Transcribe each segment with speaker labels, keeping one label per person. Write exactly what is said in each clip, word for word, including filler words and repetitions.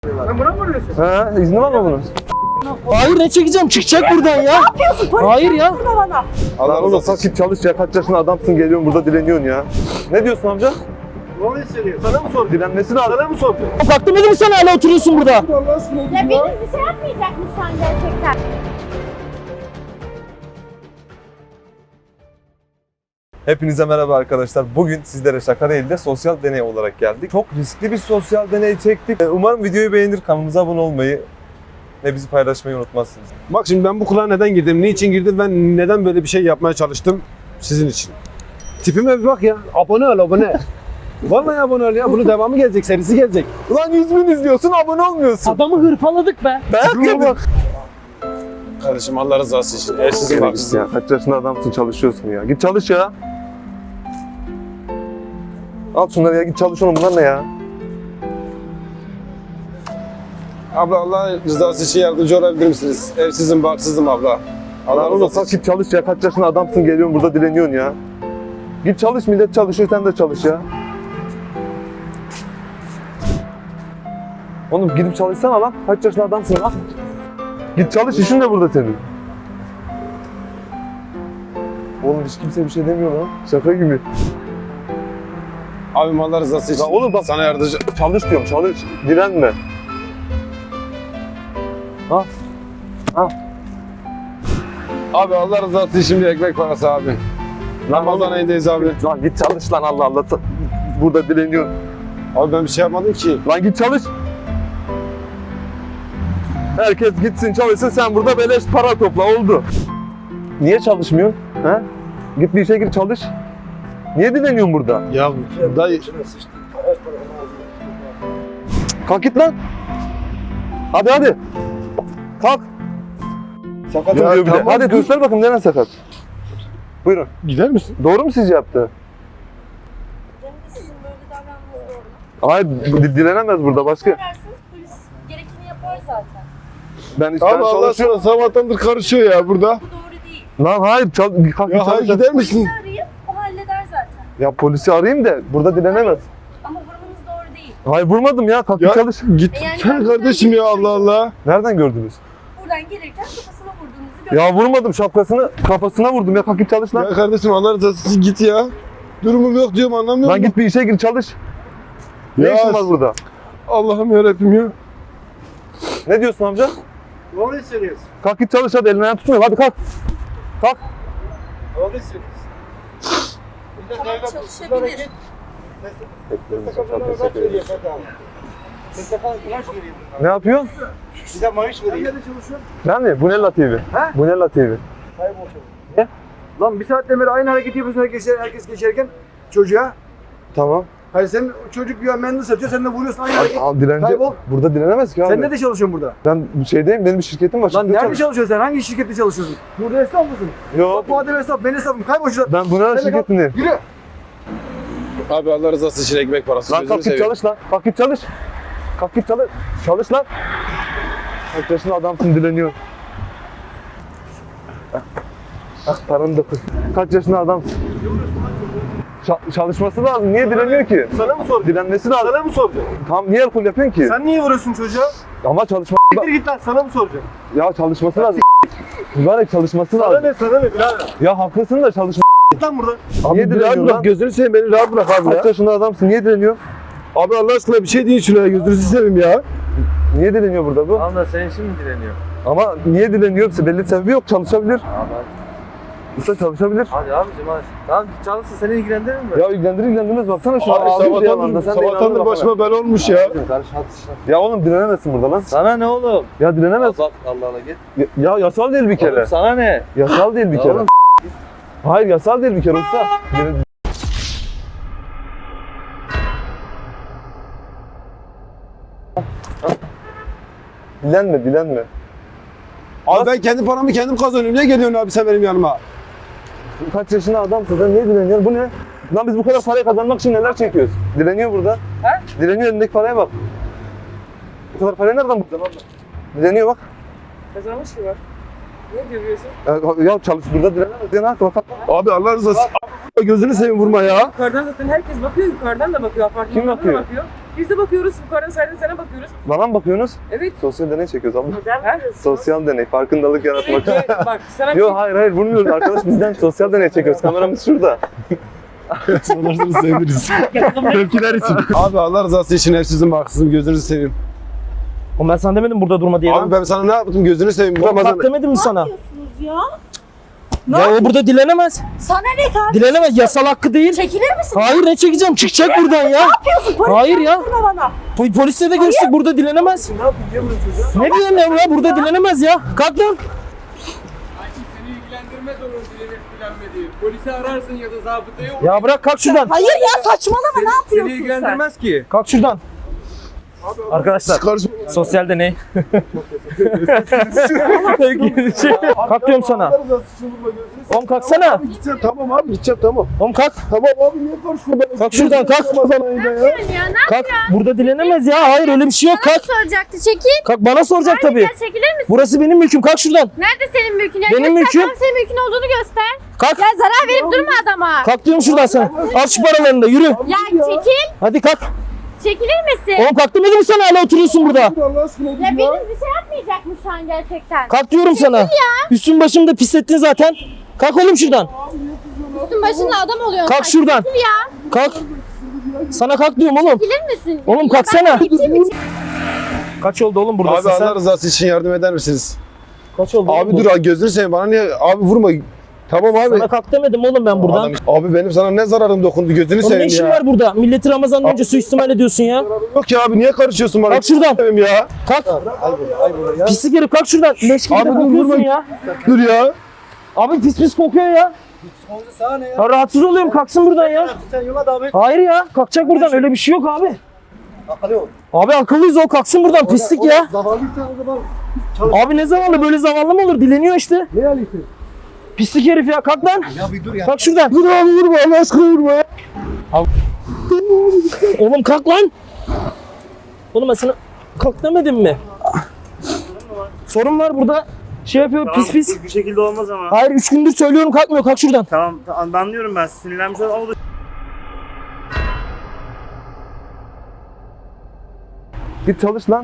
Speaker 1: Sen buna mı vuruyorsun?
Speaker 2: Ha, izni var mı bunun?
Speaker 3: Hayır, ne çekeceğim? Çıkacak buradan ya.
Speaker 4: Ne yapıyorsun? Polis
Speaker 3: Hayır ya.
Speaker 4: burada bana.
Speaker 2: Allah oğlum sakit çalış ya. Kaç yaşında adamsın, geliyorsun burada dileniyorsun ya. Ne diyorsun amca?
Speaker 1: Doğru hissediyor. Sana mı sordu?
Speaker 2: Dilenmesi lazım.
Speaker 1: Sana mı sordu?
Speaker 3: Bak demedim mi sana, hala oturuyorsun burada?
Speaker 4: Ya biriniz bir şey yapmayacak mısın gerçekten?
Speaker 2: Hepinize merhaba arkadaşlar. Bugün sizlere şaka değil de sosyal deney olarak geldik. Çok riskli bir sosyal deney çektik. Umarım videoyu beğenir, kanalımıza abone olmayı ve bizi paylaşmayı unutmazsınız.
Speaker 1: Bak şimdi ben bu kulağa neden girdim? Niçin girdim? Ben neden böyle bir şey yapmaya çalıştım? Sizin için. Tipime bir bak ya. Abone ol abone. Vallahi abone ol ya. Bunun devamı gelecek. Serisi gelecek.
Speaker 2: Ulan yüz bin izliyorsun, abone olmuyorsun.
Speaker 3: Adamı hırpaladık be.
Speaker 2: Dayak yedin.
Speaker 1: Kardeşim Allah rızası için. Ersizim bak.
Speaker 2: Ya, kaç yaşında adamsın, çalışıyorsun ya. Git çalış ya. Al şunları ya, git çalış oğlum. Bunlar ne ya?
Speaker 1: Abla Allah rızası için yardımcı olabilir misiniz? Evsizim, barksızım abla. Allah
Speaker 2: Oğlum
Speaker 1: rızası
Speaker 2: kalk
Speaker 1: için.
Speaker 2: git çalış ya. Kaç yaşında adamsın, geliyorsun burada dileniyorsun ya. Git çalış, millet çalışıyor, sen de çalış ya. Oğlum gidip çalışsana lan. Kaç yaşında adamsın lan. Git çalış, işin de burada senin. Oğlum hiç kimse bir şey demiyor lan. Şaka gibi.
Speaker 1: Abim Allah rızası için.
Speaker 2: Ya oğlum bak-
Speaker 1: Sana yardımcı.
Speaker 2: Çalış diyorum, çalış. Direnme. Ha? Ha?
Speaker 1: Abi Allah rızası için bir ekmek parası abi. Ramazan ayındayız abi.
Speaker 2: Lan git çalış lan, Allah Allah. Burada dileniyorsun.
Speaker 1: Abi ben bir şey yapmadım ki.
Speaker 2: Lan git çalış. Herkes gitsin çalışsın, sen burada beleş para topla, oldu. Niye çalışmıyorsun? He? Git bir işe gir çalış. Niye dileniyorsun burada?
Speaker 1: Ya dayı.
Speaker 2: Kalk git lan. Hadi hadi. Kalk. Sakatım
Speaker 1: Ya
Speaker 2: diyor bir de.
Speaker 1: tamam,
Speaker 2: Hadi
Speaker 1: dur.
Speaker 2: göster bakayım neren sakat. Buyurun.
Speaker 1: Gider misin?
Speaker 2: Doğru mu sizce yaptı?
Speaker 4: Benim de sizin böyle davranmanız doğru mu?
Speaker 2: Hayır, di- dilenemez burada başka.
Speaker 4: Ararsınız polis gerekeni yapar zaten.
Speaker 2: Ben, ben
Speaker 1: Abi Allah
Speaker 2: çalışıyorum.
Speaker 1: sana sabahtandır karışıyor ya burada.
Speaker 4: Bu doğru değil.
Speaker 2: Lan hayır, çal kalk
Speaker 1: Ya
Speaker 2: git
Speaker 1: hayır
Speaker 2: çalış.
Speaker 1: gider misin?
Speaker 4: Polisi arayıp o halleder zaten.
Speaker 2: Ya polisi arayayım da burada dilenemez.
Speaker 4: Ama vurmanız doğru değil.
Speaker 2: Hayır vurmadım ya, kalk
Speaker 1: Ya
Speaker 2: git çalış.
Speaker 1: git
Speaker 4: E yani
Speaker 1: sen
Speaker 4: ben-
Speaker 1: kardeşim ya Allah Allah.
Speaker 2: Nereden gördünüz?
Speaker 4: Buradan gelirken kafasına vurduğunuzu gördüm.
Speaker 2: Ya vurmadım, şapkasını kafasına vurdum ya, kalk git çalış lan.
Speaker 1: Ya kardeşim Allah rızası için git ya. Durumum yok diyorum anlamıyor
Speaker 2: Lan
Speaker 1: musun?
Speaker 2: git bir işe gir çalış. Ne
Speaker 1: Ya
Speaker 2: işin var burada?
Speaker 1: Allah'ım yarabbim ya.
Speaker 2: Ne diyorsun amca?
Speaker 1: Doğru hissediyorsun.
Speaker 2: Kalk git çalış hadi, elini ayağını tutmuyor, hadi kalk. Kalk.
Speaker 1: Doğru hissediyorsun.
Speaker 4: Tamam, çalışabilir.
Speaker 2: Ne yapıyorsun?
Speaker 1: Size maaş vereyim. Nerede çalışıyorsun?
Speaker 2: Ben mi? Bunella T V.
Speaker 1: He?
Speaker 2: Bunella T V.
Speaker 1: Lan bir saatten beri aynı hareketi yapıyorsun herkes, herkes geçerken çocuğa.
Speaker 2: Tamam.
Speaker 1: Hayır sen çocuk ya mendil satıyor sen de vuruyorsun aynı hareket.
Speaker 2: Al dilenci.
Speaker 1: Kaybol.
Speaker 2: Burada dilenemez ki abi.
Speaker 1: Sen nerede çalışıyorsun burada?
Speaker 2: Ben bir şeydeyim, benim bir şirketim var.
Speaker 1: Lan
Speaker 2: şirkette
Speaker 1: nerede
Speaker 2: çalış-
Speaker 1: çalışıyorsun sen? Hangi şirkette çalışıyorsun? Burada esnaf mısın?
Speaker 2: Yok.
Speaker 1: Bu adam esnaf, ben esnafım. Kaybol şuradan.
Speaker 2: Ben Bunella
Speaker 1: Sen de kalk.
Speaker 2: şirketindeyim.
Speaker 1: Yürü. Abi Allah rızası için ekmek parası.
Speaker 2: Lan kalk git çalış lan. Kalk git çalış. Kalk git çalış. Çalış lan. Kaç yaşında adamsın, dileniyor. Ah, ah paranı da koy. Kaç yaşında adamsın. Ça- çalışması lazım. Niye dileniyor ki?
Speaker 1: Sana mı sordu?
Speaker 2: Dilenmesi lazım.
Speaker 1: Sana mı soracak?
Speaker 2: Tam niye alkol yapıyorsun ki?
Speaker 1: Sen niye vuruyorsun çocuğa?
Speaker 2: Ama çalışma
Speaker 1: Git git lan sana mı soracak?
Speaker 2: ya çalışması lazım. Mübarek çalışması
Speaker 1: Sana
Speaker 2: lazım.
Speaker 1: ne sana ne birader?
Speaker 2: Ya haklısın da çalışma.
Speaker 1: Git lan buradan.
Speaker 2: Niye
Speaker 1: Abi
Speaker 2: direniyor
Speaker 1: rahat bırak
Speaker 2: lan?
Speaker 1: gözünü seveyim beni rahat bırak abi
Speaker 2: Kaç
Speaker 1: ya.
Speaker 2: yaşında adamsın? Niye dileniyor?
Speaker 1: Abi Allah aşkına bir şey deyin şuna gözünüzü seveyim ya.
Speaker 2: Niye dileniyor burada bu?
Speaker 5: Tamam da senin için mi dileniyor?
Speaker 2: Ama niye dileniyor? Belli sebebi yok. Çalışabilir.
Speaker 5: Abi hadi.
Speaker 2: Usta çalışabilir.
Speaker 5: Hadi abicim hadi. Tamam çalışsın seni ilgilendirir mi?
Speaker 2: Ya ilgilendirir ilgilendirmez, baksana şu
Speaker 1: Abi sabahtandır, sabahtandır başıma bela olmuş ya.
Speaker 5: Karış hadi işte.
Speaker 2: Ya oğlum dilenemezsin burada lan.
Speaker 5: Sana ne oğlum?
Speaker 2: Ya dilenemez.
Speaker 5: Bak Allah Allah git.
Speaker 2: Ya, ya yasal değil bir kere.
Speaker 5: Oğlum sana ne?
Speaker 2: Yasal değil bir
Speaker 5: Ya
Speaker 2: kere.
Speaker 5: oğlum,
Speaker 2: Hayır yasal değil bir kere usta. Dile- Dilenme, dilenme.
Speaker 1: Abi ben kendi paramı kendim kazanıyorum. Niye geliyorsun abi sen benim yanıma?
Speaker 2: Kaç yaşında adamsın sen, niye dileniyorsun? Bu ne? Lan biz bu kadar parayı kazanmak için neler çekiyoruz? Dileniyor burada.
Speaker 4: He?
Speaker 2: Dileniyor, elindeki paraya bak. Bu kadar parayı nereden buldun abla? Dileniyor bak.
Speaker 4: Kazanmış ki var. Ne diyorsun?
Speaker 2: Ya, ya çalış burada dilenemez. Ya ne yaptı bak.
Speaker 1: Abi Allah rızası. Gözünü seveyim vurma ya.
Speaker 6: Yukarıdan zaten herkes bakıyor, yukarıdan da bakıyor, apartmandan
Speaker 2: Kim bakıyor?
Speaker 6: da bakıyor. Biz de bakıyoruz. Yukarıdan sen sana bakıyoruz.
Speaker 2: Bana mı bakıyorsunuz?
Speaker 6: Evet.
Speaker 2: Sosyal deney çekiyoruz abla.
Speaker 4: Neden
Speaker 6: Ha?
Speaker 4: biliyorsun?
Speaker 2: Sosyal deney, farkındalık yaratmak için.
Speaker 6: Evet, bak sana bir
Speaker 2: Yok
Speaker 6: şey...
Speaker 2: hayır hayır vurmuyoruz. Arkadaş bizden sosyal deney çekiyoruz. Kameramız şurada.
Speaker 1: Sanırsınız seviniriz. Tepkiler için. Abi Allah rızası için hep sizin haksızım, gözünüzü seveyim.
Speaker 3: Oğlum ben sana demedim burada durma diye
Speaker 1: Abi
Speaker 3: lan.
Speaker 1: ben sana ne yaptım, gözünü seveyim. Bu
Speaker 3: Oğlum
Speaker 1: Ramazan...
Speaker 3: bak demedim mi sana?
Speaker 4: yapıyorsunuz ya?
Speaker 3: Ya o burada dilenemez.
Speaker 4: Sana ne kardeşim?
Speaker 3: Dilenemez. Yasal hakkı değil.
Speaker 4: Çekilir misin?
Speaker 3: Hayır ne çekeceğim? Çıkacak buradan ya.
Speaker 4: Ne yapıyorsun? Polis
Speaker 3: Hayır ya.
Speaker 4: yaptırma bana.
Speaker 3: Po- Polisle de görüştük burada dilenemez.
Speaker 5: Ne yapayım diyor musun çocuğa?
Speaker 3: Ne diyeyim ya burada dilenemez ya. Kalk lan.
Speaker 7: Seni ilgilendirmez onun dilenip dilenmediği. Polisi ararsın ya da zabıtayı.
Speaker 3: Ya bırak kalk şuradan.
Speaker 4: Hayır ya saçmalama ne
Speaker 7: Seni
Speaker 4: yapıyorsun sen?
Speaker 7: ilgilendirmez ki.
Speaker 3: Kalk şuradan. Arkadaşlar
Speaker 1: Karışma.
Speaker 3: sosyal deney. Kalk diyorum sana.
Speaker 1: Allah rızası için vurma, gözünü seveyim.
Speaker 3: Oğlum kalksana.
Speaker 1: Abi gideceğim, tamam abi gideceğim, tamam.
Speaker 3: Oğlum kalk.
Speaker 1: Tamam abi niye karışıyorsun? Ben
Speaker 3: Kalk şuradan, kalk.
Speaker 1: Ramazan ayında ya.
Speaker 8: Ya ne
Speaker 3: Kalk. Burada dilenemez ya. Hayır öyle bir şey yok. Kalk.
Speaker 8: soracaktı? Çekil.
Speaker 3: Kalk bana soracak tabii.
Speaker 8: Gel çekilir misin?
Speaker 3: Burası benim mülküm. Kalk şuradan.
Speaker 8: Nerede senin mülkün? Ya
Speaker 3: Benim
Speaker 8: göster,
Speaker 3: mülküm.
Speaker 8: Tam senin mülkün olduğunu göster.
Speaker 3: Kalk.
Speaker 8: Ya zarar verip durma adama.
Speaker 3: Kalk diyorum şuradan sana. Al şu paralarını da yürü.
Speaker 8: Ya çekil.
Speaker 3: Hadi kalk.
Speaker 8: Çekilir misin?
Speaker 3: Oğlum kalk demedim mi sana hala oturuyorsun burada.
Speaker 1: Allah aşkına dur
Speaker 8: Ya
Speaker 1: ya.
Speaker 8: biriniz bir şey yapmayacakmış şu an gerçekten.
Speaker 3: Kalk diyorum sana. Üstün başımı da pislettin zaten. Kalk oğlum şuradan.
Speaker 8: Üstün başında adam oluyorsun.
Speaker 3: Kalk
Speaker 8: sen.
Speaker 3: şuradan.
Speaker 8: Çekil ya.
Speaker 3: Kalk. Sana kalk diyorum oğlum.
Speaker 8: Çekilir misin?
Speaker 3: Oğlum
Speaker 8: Ya
Speaker 3: kalksana.
Speaker 8: ben gideyim mi?
Speaker 3: Kaç oldu oğlum
Speaker 1: Abi
Speaker 3: buradasın
Speaker 1: Allah
Speaker 3: sen?
Speaker 1: rızası için yardım eder misiniz?
Speaker 3: Kaç oldu
Speaker 1: Abi
Speaker 3: oğlum
Speaker 1: dur abi, gözünü seveyim, bana niye abi vurma. Tamam abi.
Speaker 3: Sana kalk demedim oğlum ben buradan.
Speaker 1: Adam- abi benim sana ne zararım dokundu, gözünü
Speaker 3: Oğlum ne
Speaker 1: seveyim
Speaker 3: işin
Speaker 1: ya.
Speaker 3: var burada? Milleti Ramazan'dan önce suistimal ediyorsun ya.
Speaker 1: Yok ya abi niye karışıyorsun bana?
Speaker 3: Kalk şuradan.
Speaker 1: Seveyim ya.
Speaker 3: Kalk.
Speaker 5: Ay burada, ay burada ya.
Speaker 3: Pislik herif kalk şuradan. Leş gibi
Speaker 1: Abi
Speaker 3: de
Speaker 1: dur,
Speaker 3: kokuyorsun
Speaker 1: vurma.
Speaker 3: ya.
Speaker 1: Dur ya.
Speaker 3: Abi pis pis kokuyor ya.
Speaker 5: Sonunda sana ne ya?
Speaker 3: Ya rahatsız oluyorum kalksın buradan ya.
Speaker 5: Sen yola devam et.
Speaker 3: Hayır ya kalkacak buradan öyle bir şey yok abi.
Speaker 5: Akıllı ol.
Speaker 3: Abi akıllıyız o kalksın buradan pislik ya.
Speaker 5: Zavallıysan o zaman
Speaker 3: Abi ne zavallı böyle zavallı mı olur dileniyor işte.
Speaker 5: ne alıyorsun?
Speaker 3: Pislik herif ya kalk lan.
Speaker 5: Ya bir dur ya.
Speaker 3: Kalk şuradan.
Speaker 1: Dur abi vurma, Allah aşkına vurma ya.
Speaker 3: Oğlum kalk lan. Oğlum ben sana kalk demedim mi? Sorun var burada. Şey yapıyor pis pis.
Speaker 9: Bir şekilde olmaz ama.
Speaker 3: Hayır üç gündür söylüyorum kalkmıyor kalk şuradan.
Speaker 9: Tamam, tamam anlıyorum ben. Sinirlenmiş ol ama
Speaker 2: Git çalış lan.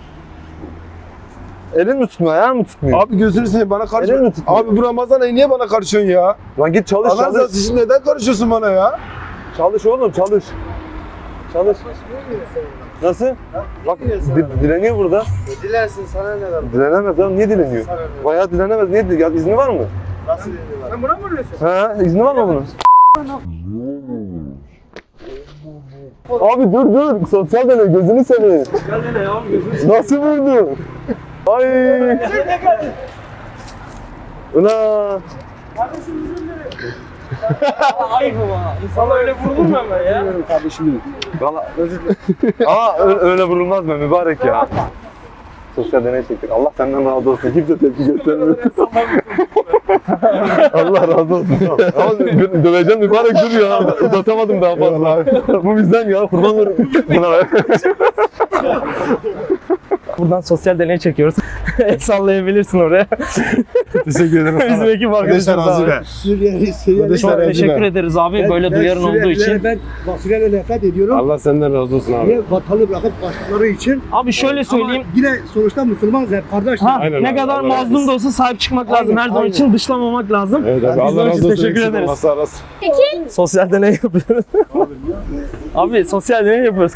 Speaker 2: Elin mi tutmuyor, ayağın mı tutmuyor?
Speaker 1: Abi gözünü seveyim, bana
Speaker 2: Elin
Speaker 1: karışma.
Speaker 2: mi tutmuyor?
Speaker 1: Abi bu Ramazan ayı niye bana karışıyorsun ya?
Speaker 2: Lan git çalış,
Speaker 1: Allah
Speaker 2: çalış.
Speaker 1: rızası için neden karışıyorsun bana ya?
Speaker 2: Çalış oğlum, çalış. Çalış. Nasıl? Bak di- dileniyor burada.
Speaker 5: Dilersin sana ne var?
Speaker 2: Dilenemez ya, niye dileniyor? Bayağı dilenemez, niye dileniyor? Ya izni var mı?
Speaker 5: Nasıl deniyorlar?
Speaker 6: Sen buna mı vuruyorsun?
Speaker 2: Ha, izni var mı bunun? Abi dur dur, sosyal deney, gözünü seveyim.
Speaker 5: Gel dene ya gözünü.
Speaker 2: Nasıl vurdu? Ay. Ulan.
Speaker 3: Ayıp ama. İnsana öyle vurulur mu hemen ya?
Speaker 5: Kardeşim.
Speaker 2: Valla özür dilerim. Ama öyle, öyle vurulmaz mı mübarek ya? Sosyal deney çektik. Allah senden razı olsun. Kimse tepki göstermiyor. Allah razı olsun. Ama dö- döveceğim mübarek dur ya. Uzatamadım daha fazla. Bu bizden ya. Kurban olurum. Buna ver.
Speaker 3: Buradan sosyal deney çekiyoruz. El sallayabilirsin oraya.
Speaker 1: Teşekkür ederim.
Speaker 3: Bizim ekip
Speaker 1: Kardeşler
Speaker 3: arkadaşlar
Speaker 1: razı
Speaker 3: abi.
Speaker 1: be.
Speaker 5: Suriyeli, Suriyeli.
Speaker 1: Kardeşler
Speaker 3: Çok
Speaker 1: razı
Speaker 3: teşekkür
Speaker 1: be.
Speaker 3: ederiz abi böyle duyarın olduğu için.
Speaker 5: Ben bak Suriyeli nefret ediyorum.
Speaker 1: Allah senden razı olsun abi.
Speaker 5: Niye vatanı bırakıp kaçtıkları için.
Speaker 3: Abi şöyle söyleyeyim.
Speaker 5: Ama yine sonuçta Müslümanız hep kardeşler.
Speaker 3: Ha,
Speaker 1: Aynen
Speaker 3: ne
Speaker 1: abi,
Speaker 3: kadar
Speaker 1: Allah
Speaker 3: mazlum da olsa sahip çıkmak lazım.
Speaker 5: Aynen,
Speaker 3: Her zaman
Speaker 5: aynen.
Speaker 3: için dışlamamak lazım.
Speaker 1: Evet abi,
Speaker 3: Biz
Speaker 1: Allah
Speaker 3: onun
Speaker 1: razı
Speaker 3: için
Speaker 1: olsun.
Speaker 3: teşekkür
Speaker 1: Eksik
Speaker 3: ederiz.
Speaker 1: olmazsa arasın.
Speaker 3: Sosyal deney yapıyoruz. Abi sosyal deney yapıyoruz.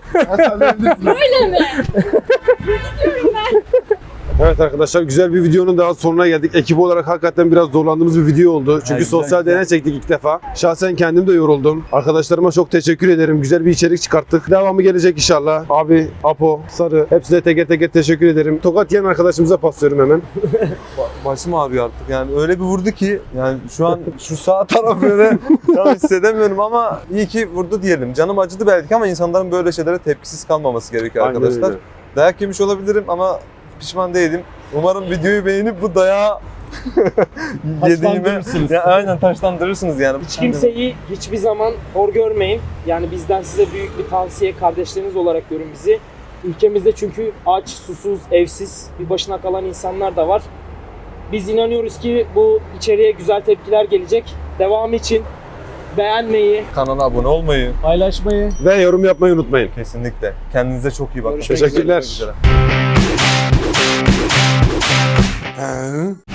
Speaker 1: Evet arkadaşlar, güzel bir videonun daha sonuna geldik. Ekip olarak hakikaten biraz zorlandığımız bir video oldu. Çünkü sosyal deney çektik ilk defa. Şahsen kendim de yoruldum. Arkadaşlarıma çok teşekkür ederim. Güzel bir içerik çıkarttık. Devamı gelecek inşallah. Abi, Apo, Sarı, hepsine teker teker teşekkür ederim. Tokat yiyen arkadaşımıza paslıyorum hemen.
Speaker 2: Başım ağrıyor artık yani öyle bir vurdu ki yani şu an şu sağ taraf böyle tam hissedemiyorum ama iyi ki vurdu diyelim. Canım acıdı belki ama insanların böyle şeylere tepkisiz kalmaması gerekiyor
Speaker 1: Aynen
Speaker 2: arkadaşlar.
Speaker 1: öyle.
Speaker 2: Dayak yemiş olabilirim ama pişman değilim. Umarım videoyu beğenip bu dayağı yediğime
Speaker 3: Taşlandırırsınız.
Speaker 2: ya, aynen taşlandırırsınız yani.
Speaker 3: Hiç kimseyi hiçbir zaman hor görmeyin. Yani bizden size büyük bir tavsiye, kardeşleriniz olarak görün bizi. Ülkemizde çünkü aç, susuz, evsiz, bir başına kalan insanlar da var. Biz inanıyoruz ki bu içeriye güzel tepkiler gelecek. Devamı için beğenmeyi,
Speaker 2: Kanala abone olmayı
Speaker 3: paylaşmayı.
Speaker 1: Ve yorum yapmayı unutmayın.
Speaker 2: kesinlikle. Kendinize çok iyi bakın.
Speaker 3: Görüşmek
Speaker 1: Teşekkürler.
Speaker 2: Görüşmek üzere.